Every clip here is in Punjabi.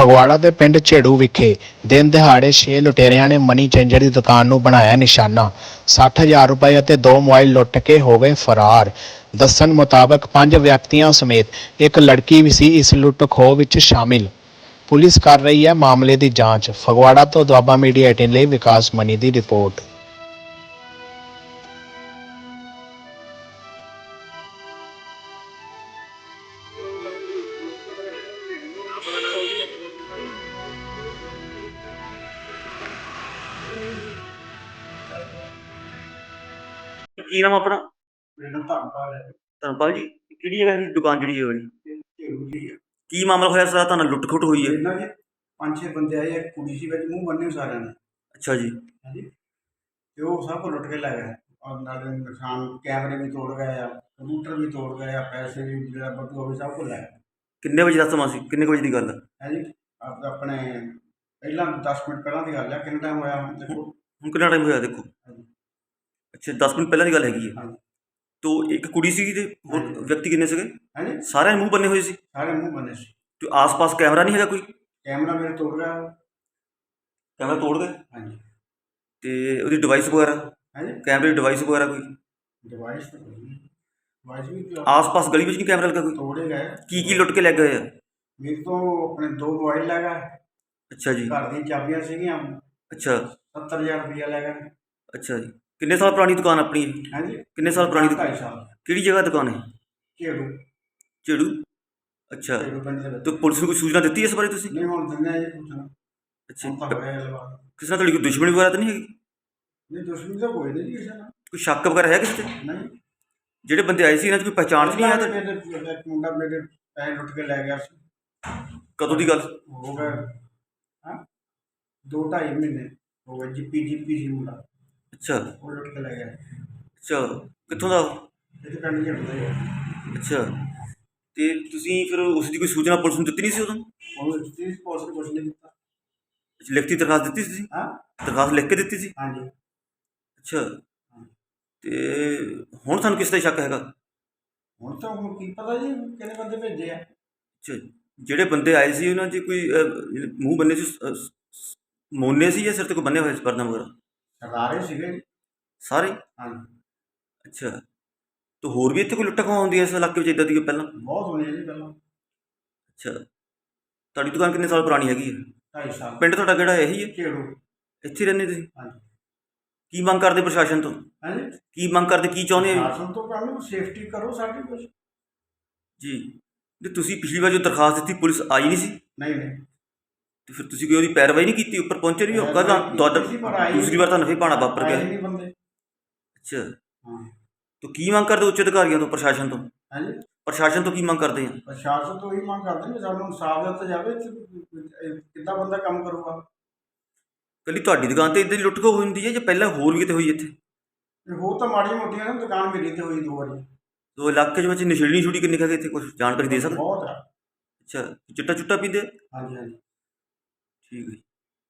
ਫਗਵਾੜਾ ਦੇ ਪਿੰਡ ਝੇੜੂ ਵਿਖੇ ਦਿਨ ਦਿਹਾੜੇ 6 ਲੁਟੇਰਿਆਂ ਨੇ ਮਨੀ ਚੇਂਜਰ ਦੀ ਦੁਕਾਨ ਨੂੰ ਬਣਾਇਆ ਨਿਸ਼ਾਨਾ। 60,000 ਰੁਪਏ ਅਤੇ 2 ਮੋਬਾਈਲ ਲੁੱਟ ਕੇ ਹੋ ਗਏ ਫਰਾਰ। ਦੱਸਣ ਮੁਤਾਬਕ 5 ਵਿਅਕਤੀਆਂ ਸਮੇਤ ਇੱਕ ਲੜਕੀ ਵੀ ਸੀ ਇਸ ਲੁੱਟ ਖੋਹ ਵਿੱਚ ਸ਼ਾਮਿਲ। ਪੁਲਿਸ ਕਰ ਰਹੀ ਹੈ ਮਾਮਲੇ ਦੀ ਜਾਂਚ। ਫਗਵਾੜਾ ਤੋਂ ਦੁਆਬਾ ਮੀਡੀਆ 18 ਲਈ ਵਿਕਾਸ ਮਨੀ ਦੀ ਰਿਪੋਰਟ। ਕੀ ਨਾਮ ਆਪਣਾ? ਮੈਨੂੰ ਧੰਨਵਾਦ ਹੈ। ਧਰਮਪਾਲ ਜੀ, ਕਿਹੜੀ ਜਗ੍ਹਾ ਦੀ ਦੁਕਾਨ ਜਿਹੜੀ ਹੈ ਵਾਲੀ? ਝੇੜੂ ਜੀ ਕੀ ਮਾਮਲਾ ਹੋਇਆ ਸਾਰਾ? ਤੁਹਾਨੂੰ ਲੁੱਟ ਖੁੱਟ ਹੋਈ ਹੈ? ਇਹਨਾਂ ਦੇ 5-6 ਬੰਦੇ ਆਏ, ਇੱਕ ਕੁੜੀ ਸੀ ਵਿੱਚ ਮੂੰਹ ਬੰਨੇ ਸਾਰਿਆਂ ਨੇ। ਅੱਛਾ ਜੀ। ਹਾਂਜੀ, ਤੇ ਉਹ ਸਭ ਕੁਝ ਲੁੱਟ ਕੇ ਲੈ ਗਏ। ਔਰ ਨਾਲ ਨੁਕਸਾਨ ਕੈਮਰੇ ਵੀ ਤੋੜ ਗਏ ਆ, ਕੰਪਿਊਟਰ ਵੀ ਤੋੜ ਗਏ ਆ, ਪੈਸੇ ਵੀ ਜਿਹੜਾ ਬੱਟੂ ਹੋਵੇ ਸਭ ਕੁਝ ਲੈ ਗਏ। ਕਿੰਨੇ ਵਜੇ ਦਾ ਸਮਾਂ ਸੀ? ਕਿੰਨੇ ਕੁ ਵਜੇ ਦੀ ਗੱਲ ਹੈ? ਹਾਂਜੀ, ਆਪਣੇ ਪਹਿਲਾਂ 10 ਮਿੰਟ ਪਹਿਲਾਂ ਦੀ ਗੱਲ ਹੈ। ਕਿੰਨਾ ਟਾਈਮ ਹੋਇਆ ਹੁਣ ਦੇਖੋ। ਹੁਣ ਕਿੰਨਾ ਟਾਈਮ ਹੋਇਆ ਦੇਖੋ? ਹਾਂਜੀ ਅੱਛਾ, 10 ਮਿੰਟ ਪਹਿਲਾਂ ਦੀ ਗੱਲ ਹੈਗੀ ਹੈ। ਹਾਂਜੀ ਤੋ ਇੱਕ ਕੁੜੀ ਸੀਗੀ ਤੇ ਹੋਰ ਹਾਂਜੀ। ਵਿਅਕਤੀ ਕਿੰਨੇ ਸੀਗੇ? ਹਾਂਜੀ, ਸਾਰਿਆਂ ਦੇ ਮੂੰਹ ਬੰਨੇ ਹੋਏ ਸੀ? ਸਾਰੇ ਮੂੰਹ ਬੰਨੇ ਸੀ। ਤੇ ਆਸ-ਪਾਸ ਕੈਮਰਾ ਨਹੀਂ ਹੈਗਾ ਕੋਈ? ਕੈਮਰਾ ਮੇਰੇ ਤੋੜ ਗਿਆ। ਕੈਮਰਾ ਤੋੜ ਗਏ? ਹਾਂਜੀ ਤੇ ਉਹਦੀ ਡਿਵਾਈਸ ਵਗੈਰਾ? ਹਾਂਜੀ, ਕੈਮਰੇ ਦੀ ਡਿਵਾਈਸ ਵਗੈਰਾ ਕੋਈ? ਡਿਵਾਈਸ ਤਾਂ ਕੋਈ ਨਹੀਂ। ਡਿਵਾਈਸ ਵੀ ਆਸ-ਪਾਸ ਗਲੀ ਵਿੱਚ ਨਹੀਂ ਕੈਮਰਾ ਲੱਗਾ ਕੋਈ? ਤੋੜੇ ਗਏ। ਕੀ ਲੁੱਟ ਕੇ ਲੈ ਗਏ ਆ? ਮੇਰੇ ਤੋਂ ਆਪਣੇ 2 ਮੋਬਾਈਲ ਲੈ ਗਏ। ਅੱਛਾ ਜੀ। ਘਰ ਦੀਆਂ ਚਾਬੀਆਂ ਸੀਗੀਆਂ। ਅੱਛਾ 70,000 ਰੁਪਇਆ ਲੈ ਗਏ। ਅੱਛਾ ਜੀ। ਕਿੰਨੇ ਸਾਲ ਪੁਰਾਣੀ ਦੁਕਾਨ ਆਪਣੀ ਇਹ? ਹਾਂਜੀ, ਕਿੰਨੇ ਸਾਲ ਪੁਰਾਣੀ ਦੁਕਾਨ? 2.5 ਸਾਲ। ਕਿਹੜੀ ਜਗ੍ਹਾ ਦੁਕਾਨ ਹੈ? ਝੇੜੂ ਝੇੜੂ। ਅੱਛਾ, ਝੇੜੂ ਪਿੰਡ ਦੇ ਵਿੱਚ। ਤੇ ਪੁਲਿਸ ਨੂੰ ਕੋਈ ਸੂਚਨਾ ਦਿੱਤੀ ਇਸ ਬਾਰੇ ਤੁਸੀਂ? ਨਹੀਂ, ਹੁਣ ਦਿੰਦੇ ਆ ਜੀ ਪੁੱਛਣਾ। ਅੱਛਾ, ਹੁਣ ਤਾਂ ਹੋਇਆ ਲਵਾ। ਕਿਸੇ ਨਾਲ ਤੁਹਾਡੀ ਕੋਈ ਦੁਸ਼ਮਣੀ ਵਗੈਰਾ ਤਾਂ ਨਹੀਂ ਹੈਗੀ? ਨਹੀਂ, ਦੁਸ਼ਮਣੀ ਤਾਂ ਕੋਈ ਨਹੀਂ ਜੀ ਕਿਸੇ ਨਾਲ। ਕੋਈ ਸ਼ੱਕ ਵਗੈਰਾ ਹੈ ਕਿਸੇ ਤੇ? ਨਹੀਂ, ਜਿਹੜੇ ਬੰਦੇ ਆਏ ਸੀ ਇਹਨਾਂ 'ਚ ਕੋਈ ਪਹਿਚਾਣ 'ਚ ਨਹੀਂ ਆਇਆ ਤੁਹਾਡੀ? ਮੇਰੇ ਇੱਕ ਮੁੰਡਾ ਮੇਰੇ ਪੈਸੇ ਲੁੱਟ ਕੇ ਲੈ ਗਿਆ ਸੀ। ਕਦੋਂ ਦੀ ਗੱਲ? ਹੋ ਗਏ ਹਾਂ 2-2.5 ਮਹੀਨੇ ਹੋ ਗਏ। ਜੀਪੀ ਸੀ ਮੁੰਡਾ, ਅੱਛਾ ਉਹ ਲੁੱਟ ਕੇ ਲੈ ਗਿਆ। ਅੱਛਾ, ਕਿੱਥੋਂ ਦਾ? ਇਹ ਪਿੰਡ ਝੇੜੂ ਦਾ ਹੀ ਹੈ। ਅੱਛਾ, ਤੇ ਤੁਸੀਂ ਫਿਰ ਉਸ ਦੀ ਕੋਈ ਸੂਚਨਾ ਪੁਲਿਸ ਨੂੰ ਦਿੱਤੀ ਨਹੀਂ ਸੀ ਉਦੋਂ? ਉਹਨੂੰ ਦਿੱਤੀ ਸੀ, ਪੁਲਿਸ ਨੇ ਕੁਛ ਨਹੀਂ ਦਿੱਤਾ। ਲਿਖਤੀ ਦਰਖਾਸਤ ਦਿੱਤੀ ਸੀ ਤੁਸੀਂ? ਹਾਂ ਦਰਖਾਸਤ ਲਿਖ ਕੇ ਦਿੱਤੀ ਸੀ? ਹਾਂਜੀ। ਅੱਛਾ, ਤੇ ਹੁਣ ਤੁਹਾਨੂੰ ਕਿਸ ਦਾ ਸ਼ੱਕ ਹੈਗਾ? ਹੁਣ ਤਾਂ ਹੁਣ ਕੀ ਪਤਾ ਜੀ ਕਿਹੜੇ ਬੰਦੇ ਭੇਜੇ ਆ। ਅੱਛਾ, ਜਿਹੜੇ ਬੰਦੇ ਆਏ ਸੀ ਉਹਨਾਂ 'ਚ ਕੋਈ ਮੂੰਹ ਬੰਨੇ ਸੀ, ਮੋਨੇ ਸੀ ਜਾਂ ਸਿਰ ਤੇ ਕੋਈ ਬੰਨੇ ਹੋਏ ਸੀ ਪਰਨਾ ਵਗੈਰਾ? ਸਰਦਾਰੇ ਸੀਗੇ ਜੀ। ਸਾਰੇ? ਹਾਂਜੀ, ਅੱਛਾ, ਤੇ ਹੋਰ ਵੀ ਇੱਥੇ ਕੋਈ ਲੁੱਟਾਂ ਖੋਹਾਂ ਹੁੰਦੀਆਂ ਇਸ ਇਲਾਕੇ ਵਿੱਚ ਇੱਦਾਂ ਦੀ ਪਹਿਲਾਂ? ਬਹੁਤ ਹੋਣੀ ਹੈ ਜੀ ਪਹਿਲਾਂ। ਅੱਛਾ, ਤੁਹਾਡੀ ਦੁਕਾਨ ਕਿੰਨੇ ਸਾਲ ਪੁਰਾਣੀ ਹੈਗੀ ਹੈ? 2.5 ਸਾਲ। ਪਿੰਡ ਤੁਹਾਡਾ ਕਿਹੜਾ ਇਹੀ ਹੈ? ਝੇੜੂ। ਇੱਥੇ ਹੀ ਰਹਿੰਦੇ ਤੁਸੀਂ? ਹਾਂਜੀ ਕੀ ਮੰਗ ਕਰਦੇ ਪ੍ਰਸ਼ਾਸਨ ਤੋਂ? ਹਾਂਜੀ, ਕੀ ਮੰਗ ਕਰਦੇ, ਕੀ ਚਾਹੁੰਦੇ ਆ? ਸ਼ਾਸਨ ਤੋਂ ਕਰਨ ਸੇਫਟੀ ਕਰੋ ਸਾਡੀ ਕੁਛ। ਜੀ, ਤੇ ਤੁਸੀਂ ਪਿਛਲੀ ਵਾਰ ਜੋ ਦਰਖਾਸਤ ਦਿੱਤੀ ਪੁਲਿਸ ਆਈ ਨਹੀਂ ਸੀ? ਨਹੀਂ ਨਹੀਂ, ਤੇ ਫਿਰ ਤੁਸੀਂ ਕੋਈ ਉਹਦੀ ਪੈਰਵਾਈ ਨਹੀਂ ਕੀਤੀ? ਉੱਪਰ ਪਹੁੰਚੇ ਨਹੀਂ? ਹੋਗਾ ਦੂਸਰੀ ਵਾਰ ਤੁਹਾਨੂੰ ਫਿਰ ਭਾਣਾ ਵਾਪਰ ਗਿਆ। ਨਹੀਂ ਬੰਦੇ। ਅੱਛਾ, ਹਾਂ, ਤਾਂ ਕੀ ਮੰਗ ਕਰਦੇ ਉੱਚ ਅਧਿਕਾਰੀਆਂ ਤੋਂ, ਪ੍ਰਸ਼ਾਸਨ ਤੋਂ? ਹਾਂਜੀ, ਪ੍ਰਸ਼ਾਸਨ ਤੋਂ ਕੀ ਮੰਗ ਕਰਦੇ ਆ? ਪ੍ਰਸ਼ਾਸਨ ਤੋਂ ਇਹੀ ਮੰਗ ਕਰਦੇ ਨੇ ਸਾਨੂੰ ਇਨਸਾਫ ਦਿੱਤਾ ਜਾਵੇ। ਕਿੱਦਾਂ ਬੰਦਾ ਕੰਮ ਕਰੂਗਾ? ਕੱਲੀ ਤੁਹਾਡੀ ਦੁਕਾਨ ਤੇ ਇੱਦਾਂ ਦੀ ਲੁੱਟ ਖੋਹ ਹੁੰਦੀ ਹੈ ਜਾਂ ਪਹਿਲਾਂ ਹੋਰ ਵੀ ਕਿਤੇ ਹੋਈ ਇੱਥੇ? ਹੋਰ ਤਾਂ ਮਾੜੀਆਂ ਮੋਟੀਆਂ ਨੇ, ਦੁਕਾਨ ਮੇਰੀ ਤੇ ਹੋਈ 2 ਵਾਰੀ। ਤੋ ਇਲਾਕੇ ਦੇ ਵਿੱਚ ਨਸ਼ੇੜੀ ਛੁੜੀ ਕਿੰਨੇ ਕੁ ਹੈਗੇ ਇੱਥੇ, ਕੁਝ ਜਾਣਕਾਰੀ ਦੇ ਸਕਦੇ? ਬਹੁਤ ਆ। ਅੱਛਾ, ਚਿੱਟਾ ਚੁੱਟਾ ਪੀਂਦੇ? ਹਾਂਜੀ ਹਾਂਜੀ। ਠੀਕ ਹੈ ਜੀ।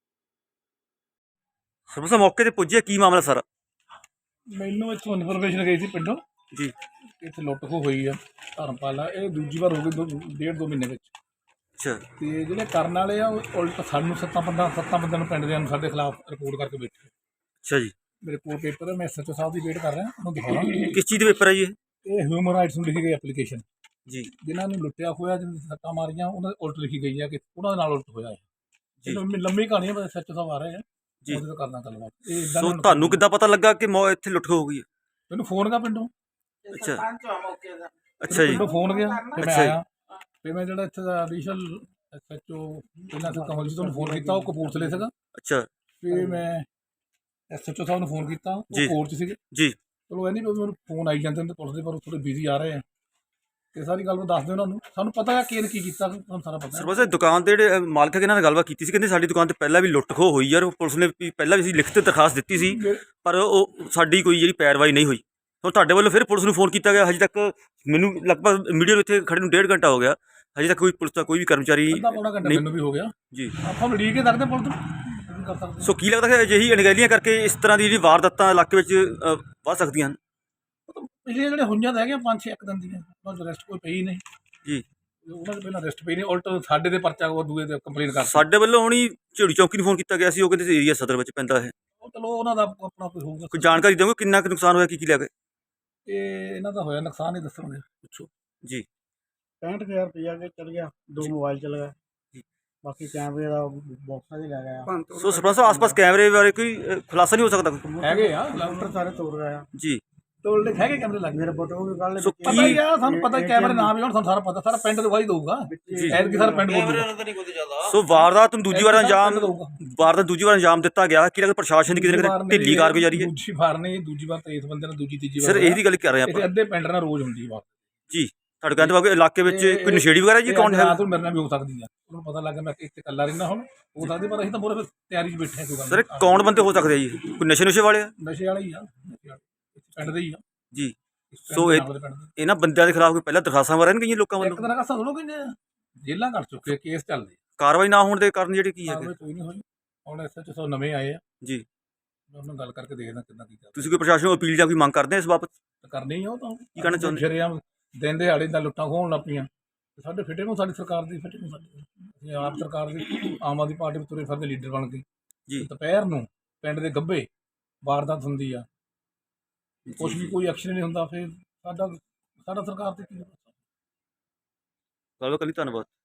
ਸਰਪੰਚ ਸਾਹਿਬ ਮੌਕੇ ਤੇ ਪੁੱਜੇ, ਕੀ ਮਾਮਲਾ ਸਾਰਾ? ਮੈਨੂੰ ਇੱਥੋਂ ਇਨਫੋਰਮੇਸ਼ਨ ਗਈ ਸੀ ਪਿੰਡੋਂ ਜੀ। ਕਿ ਇੱਥੇ ਲੁੱਟ ਖੋਹ ਹੋਈ ਆ ਧਰਮਪਾਲਾ। ਇਹ ਦੂਜੀ ਵਾਰ ਹੋ ਗਈ 1.5-2 ਮਹੀਨੇ ਵਿੱਚ। ਅੱਛਾ ਤੇ ਜਿਹੜੇ ਕਰਨ ਵਾਲੇ ਆ ਉਹ ਉਲਟ ਸਾਨੂੰ 7 ਬੰਦਿਆਂ ਨੂੰ ਪਿੰਡ ਦੇ ਨੂੰ ਸਾਡੇ ਖਿਲਾਫ ਰਿਪੋਰਟ ਕਰਕੇ ਬੈਠੇ। ਅੱਛਾ ਜੀ। ਮੇਰੇ ਕੋਲ ਪੇਪਰ ਹੈ, ਮੈਂ SHO ਸਾਹਿਬ ਦੀ ਵੇਟ ਕਰ ਰਿਹਾ, ਉਹਨੂੰ ਦਿਖਾਉਣਾ। ਕਿਸ ਚੀਜ਼ ਦੇ ਪੇਪਰ ਹੈ ਜੀ ਇਹ ਹਿਊਮਨ ਰਾਈਟਸ ਨੂੰ ਲਿਖੀ ਗਈ ਐਪਲੀਕੇਸ਼ਨ। ਜੀ ਜਿਨ੍ਹਾਂ ਨੂੰ ਲੁੱਟਿਆ ਹੋਇਆ, ਜਿਹਨਾਂ ਦੀ ਸੱਟਾਂ ਮਾਰੀਆਂ, ਉਹਨਾਂ ਦੇ ਉਲਟ ਲਿਖੀ ਗਈ ਆ ਕਿ ਉਹਨਾਂ ਦੇ ਨਾਲ ਉਲਟ ਹੋਇਆ ਹੈ। ਜੀ। ਲੰਮੀ ਕਹਾਣੀ ਹੈ, ਬਸ SHO ਸਾਹਿਬ ਆ ਰਹੇ ਆ ਜੀ। ਉਹਦੇ ਤੋਂ ਕਰਨਾ ਗੱਲਬਾਤ। ਇਹ ਸੋ ਤੁਹਾਨੂੰ ਕਿੱਦਾਂ ਪਤਾ ਲੱਗਾ ਕਿ ਇੱਥੇ ਲੁੱਟ ਖੋਹ ਹੋ ਗਈ ਹੈ? ਮੈਨੂੰ ਫੋਨ ਗਿਆ ਪਿੰਡੋਂ। ਅੱਛਾ ਅੱਛਾ ਜੀ। ਪਿੰਡੋਂ ਫੋਨ ਗਿਆ ਤੇ ਮੈਂ ਅੱਛਾ ਜੀ। ਆਇਆ। ਤੇ ਮੈਂ ਜਿਹੜਾ ਇੱਥੇ ਦਾ ਐਡੀਸ਼ਨਲ SHO ਪਹਿਲਾਂ ਤਾਂ ਕਮਲ ਜੀ ਤੁਹਾਨੂੰ ਫੋਨ ਕੀਤਾ, ਉਹ ਕਪੂਰਥਲੇ ਸੀਗਾ। ਅੱਛਾ ਫਿਰ ਮੈਂ SHO ਸਾਹਿਬ ਨੂੰ ਫੋਨ ਕੀਤਾ, ਜੀ। ਉਹ ਕੋਰਟ 'ਚ ਸੀਗੇ। ਜੀ। ਚਲੋ ਇਹ ਨਹੀਂ ਵੀ ਮੈਨੂੰ ਫੋਨ ਆਈ ਜਾਂਦੇ ਨੇ ਪੁਲਿਸ ਦੇ, ਪਰ ਥੋੜ੍ਹੇ ਬਿਜ਼ੀ ਆ ਰਹੇ ਆ। ਤੇ ਸਾਰੀ ਗੱਲ ਮੈਂ ਦੱਸ ਦਿਓ ਉਹਨਾਂ ਨੂੰ, ਸਾਨੂੰ ਪਤਾ ਹੈ ਕੀ ਕੀਤਾ, ਤੁਹਾਨੂੰ ਸਾਰਾ ਪਤਾ। ਸਰਪੰਚ ਸਾਹਿਬ ਦੁਕਾਨ ਦੇ ਜਿਹੜੇ ਮਾਲਕ ਹੈਗੇ ਇਹਨਾਂ ਨਾਲ ਗੱਲਬਾਤ ਕੀਤੀ ਸੀ, ਕਹਿੰਦੇ ਸਾਡੀ ਦੁਕਾਨ ਤੇ ਪਹਿਲਾਂ ਵੀ ਲੁੱਟ ਖੋਹ ਹੋਈ ਯਾਰ, ਪੁਲਿਸ ਨੇ ਪਹਿਲਾਂ ਵੀ ਅਸੀਂ ਲਿਖਤ ਦਰਖਾਸਤ ਦਿੱਤੀ ਸੀ, ਪਰ ਉਹ ਸਾਡੀ ਕੋਈ ਜਿਹੜੀ ਪੈਰਵਾਈ ਨਹੀਂ ਹੋਈ। ਹੁਣ ਤੁਹਾਡੇ ਵੱਲੋਂ ਫਿਰ ਪੁਲਿਸ ਨੂੰ ਫੋਨ ਕੀਤਾ ਗਿਆ, ਹਜੇ ਤੱਕ ਮੈਨੂੰ ਲਗਭਗ ਮੀਡੀਆ ਨੂੰ ਇੱਥੇ ਖੜੇ ਨੂੰ 1.5 ਘੰਟਾ ਹੋ ਗਿਆ, ਹਜੇ ਤੱਕ ਕੋਈ ਪੁਲਿਸ ਦਾ ਕੋਈ ਵੀ ਕਰਮਚਾਰੀ ਪੌਣਾ ਘੰਟਾ ਮੈਨੂੰ ਵੀ ਹੋ ਗਿਆ ਜੀ। ਆਪਾਂ ਉਡੀਕ ਕੇ ਸਕਦੇ ਪੁਲਿਸ ਨੂੰ ਕਰ ਸਕਦੇ। ਸੋ ਕੀ ਲੱਗਦਾ ਕਿ ਅਜਿਹੀ ਅਣਗਹਿਲੀਆਂ ਕਰਕੇ ਇਸ ਤਰ੍ਹਾਂ ਦੀ ਜਿਹੜੀ ਵਾਰਦਾਤਾਂ ਇਲਾਕੇ ਵਿੱਚ ਵੱਧ ਸਕਦੀਆਂ ਹਨ? ਪਿਛਲੇ ਜਿਹੜੇ ਹੋਈਆਂ ਤਾਂ ਹੈਗੀਆਂ 5-6 ਇੱਕ ਦਿਨ ਦੀਆਂ, ਉਹਨਾਂ 'ਚ ਅਰੈਸਟ ਕੋਈ ਪਈ ਨਹੀਂ ਜੀ। ਉਹਨਾਂ ਦੇ ਪਹਿਲਾਂ ਅਰੈਸਟ ਪਈ ਨਹੀਂ, ਉਲਟ ਸਾਡੇ ਦੇ ਪਰਚਾ ਉਹ ਦੂਏ ਤੇ ਕੰਪਲੇਨ ਕਰ ਸਾਡੇ ਵੱਲੋਂ ਹੁਣੀ ਝਿੜੀ ਚੌਕੀ ਨੂੰ ਫੋਨ ਕੀਤਾ ਗਿਆ ਸੀ, ਉਹ ਕਹਿੰਦੇ ਏਰੀਆ ਸਦਰ ਵਿੱਚ ਪੈਂਦਾ ਹੈ। ਚਲੋ ਉਹਨਾਂ ਦਾ ਆਪਣਾ ਕੋਈ ਹੋਊਗਾ। ਕੋਈ ਜਾਣਕਾਰੀ ਦਿਓਗੇ ਕਿੰਨਾ ਕੁ ਨੁਕਸਾਨ ਹੋਇਆ, ਕੀ ਲੈ ਗਏ? ਇਹ ਇਹਨਾਂ ਦਾ ਹੋਇਆ ਨੁਕਸਾਨ ਹੀ ਦੱਸਣਗੇ, ਪੁੱਛੋ ਜੀ 65,000 ਰੁਪਇਆ ਕੇ ਚਲ ਗਿਆ, 2 ਮੋਬਾਈਲ ਚਲ ਗਏ, ਬਾਕੀ ਕੈਮਰੇ ਦਾ ਬਾਕਸਾਂ ਦੇ ਲੈ ਗਿਆ। ਸੋ ਸਰਪੰਚ ਸਾਹਿਬ ਆਸ-ਪਾਸ ਕੈਮਰੇ ਬਾਰੇ ਕੋਈ ਖੁਲਾਸਾ ਨਹੀਂ ਹੋ ਸਕਦਾ ਕੋਈ? ਹੈਗੇ ਆ ਕੰਪਿਊਟਰ ਸਾਰੇ ਤੋੜ ਗਏ ਆ। ਜੀ ਟੋਲ ਦੇ ਹੈਗੇ ਕੈਮਰੇ ਲੱਗੇ। ਮੇਰੇ ਫੋਟੋ ਵੀ ਕੱਢ ਸੋ ਲਏ ਪਤਾ ਹੀ ਆ ਸਾਨੂੰ, ਪਤਾ ਹੀ ਕੈਮਰੇ ਨਾਮ ਵੀ ਹੁਣ ਸਾਨੂੰ ਸਾਰਾ ਪਤਾ, ਸਾਰਾ ਪਿੰਡ ਦਿਖਾਈ ਦਊਗਾ। ਜੀ। ਐਤਕੀ ਸਾਰਾ ਪਿੰਡ ਬੋਲੂਗਾ। ਸੋ ਵਾਰਦਾਤ ਨੂੰ ਦੂਜੀ ਵਾਰ ਐਤਕੀ ਸਾਰਾ ਅੰਜਾਮ ਪਿੰਡ ਦਊਗਾ। ਵਾਰਦਾਤ ਦੂਜੀ ਵਾਰ ਅੰਜਾਮ ਦਿੱਤਾ ਗਿਆ, ਕਿ ਲੱਗਦਾ ਪ੍ਰਸ਼ਾਸਨ ਦੀ ਕਿਤੇ ਨਾ ਕਿਤੇ ਢਿੱਲੀ ਕਾਰਗੁਜ਼ਾਰੀ ਹੈ? ਦੂਜੀ ਵਾਰ ਨਹੀਂ, ਦੂਜੀ ਵਾਰ ਤਾਂ ਇਸ ਬੰਦੇ ਨੇ ਦੂਜੀ ਤੀਜੀ ਵਾਰ ਸਰ ਇਹਦੀ ਗੱਲ ਕਰ ਰਹੇ ਇੱਥੇ ਆਪਾਂ ਅੱਧੇ ਪਿੰਡ ਨਾਲ ਰੋਜ਼ ਹੁੰਦੀ ਬਾਤ ਜੀ। ਤੁਹਾਡੇ ਕਹਿੰਦੇ ਬਾਕੀ ਇਲਾਕੇ ਵਿੱਚ ਕੋਈ ਨਸ਼ੇੜੀ ਵਗੈਰਾ ਜੀ ਕੌਣ ਹੈ? ਰਾਤ ਨੂੰ ਮੇਰੇ ਨਾਲ ਵੀ ਹੋ ਸਕਦੀ ਆ, ਉਹਨੂੰ ਪਤਾ ਲੱਗ ਗਿਆ ਮੈਂ ਇੱਥੇ ਇਕੱਲਾ ਰਹਿੰਦਾ ਹੁਣ, ਹੋ ਸਕਦੀ, ਪਰ ਅਸੀਂ ਤਾਂ ਮੋਰੇ ਤਿਆਰੀ 'ਚ ਬੈਠੇ ਹਾਂ। ਕੋਈ ਗੱਲ ਸਰ ਨਹੀਂ। ਕੌਣ ਬੰਦੇ ਹੋ ਸਕਦੇ ਆ ਜੀ? ਕੋਈ ਨਸ਼ੇ ਵਾਲੇ ਆ ਨਸ਼ੇ ਵਾਲੇ ਹੀ ਆ, ਨਸ਼ੇ ਵਾਲੇ ਪਿੰਡ ਦੇ ਹੀ ਆ। ਜੀ? ਇਸ ਪਿੰਡ ਸੋ ਦੇ ਇਹ ਨਾਲ ਦੇ ਪਿੰਡ ਦੇ। ਇਹਨਾਂ ਬੰਦਿਆਂ ਦੇ ਖਿਲਾਫ ਕੋਈ ਪਹਿਲਾਂ ਦਰਖਾਸਤਾਂ ਵਗੈਰਾ ਨਹੀਂ ਗਈਆਂ ਲੋਕਾਂ ਇੱਕ ਵੱਲੋਂ? ਦਿਨ ਕਾ ਸੁਣੋ ਕਿੰਨੇ ਜੇਲਾਂ ਕੱਟ ਚੁੱਕੇ, ਕੇਸ ਚੱਲਦੇ, ਕਾਰਵਾਈ ਨਾ ਹੋਣ ਦੇ ਕਾਰਨ ਜਿਹੜੇ ਕੀ ਹੈਗੇ? ਕਾਰਵਾਈ ਕੋਈ ਨਹੀਂ ਹੋਈ। ਹੁਣ SHO ਨਵੇਂ ਆਏ ਆ, ਜੀ ਮੈਂ ਉਹਨਾਂ ਨਾਲ ਗੱਲ ਕਰਕੇ ਦੇਖਦਾ ਕਿੱਦਾਂ ਕੀ ਤੁਸੀਂ ਕੋਈ ਪ੍ਰਸ਼ਾਸਨ ਨੂੰ ਅਪੀਲ ਜਾਂ ਕੋਈ ਮੰਗ ਕਰਦੇ ਆ ਇਸ ਬਾਬਤ? ਕਰਨੀ ਹੀ ਆ। ਉਹ ਤਾਂ ਕੀ ਕਹਿਣਾ ਚਾਹੁੰਦੇ? ਸ਼ਰੇਆਮ ਦਿਨ ਦਿਹਾੜੇ ਦਾ ਲੁੱਟਾਂ ਖੋਹਣ ਲੱਗ ਪਈਆਂ। ਸਾਡੇ ਫਿੱਟੇ ਨੂੰ, ਸਾਡੀ ਸਰਕਾਰ ਦੀ ਫਿੱਟੇ ਨੂੰ, ਅਸੀਂ ਆਪ ਸਰਕਾਰ ਦੀ ਆਮ ਆਦਮੀ ਪਾਰਟੀ ਵਿੱਚ ਤੁਰੇ ਫਿਰਦੇ ਲੀਡਰ ਬਣ ਗਏ ਜੀ। ਦੁਪਹਿਰ ਨੂੰ ਪਿੰਡ ਦੇ ਗੱਭੇ ਵਾਰਦਾਤ ਹੁੰਦੀ ਆ, ਕੁਛ ਵੀ ਕੋਈ ਐਕਸ਼ਨ ਨਹੀਂ ਹੁੰਦਾ, ਫਿਰ ਸਾਡਾ ਸਰਕਾਰ ਤੇ ਕੀ ਗੱਲ ਕਰੀ, ਧੰਨਵਾਦ।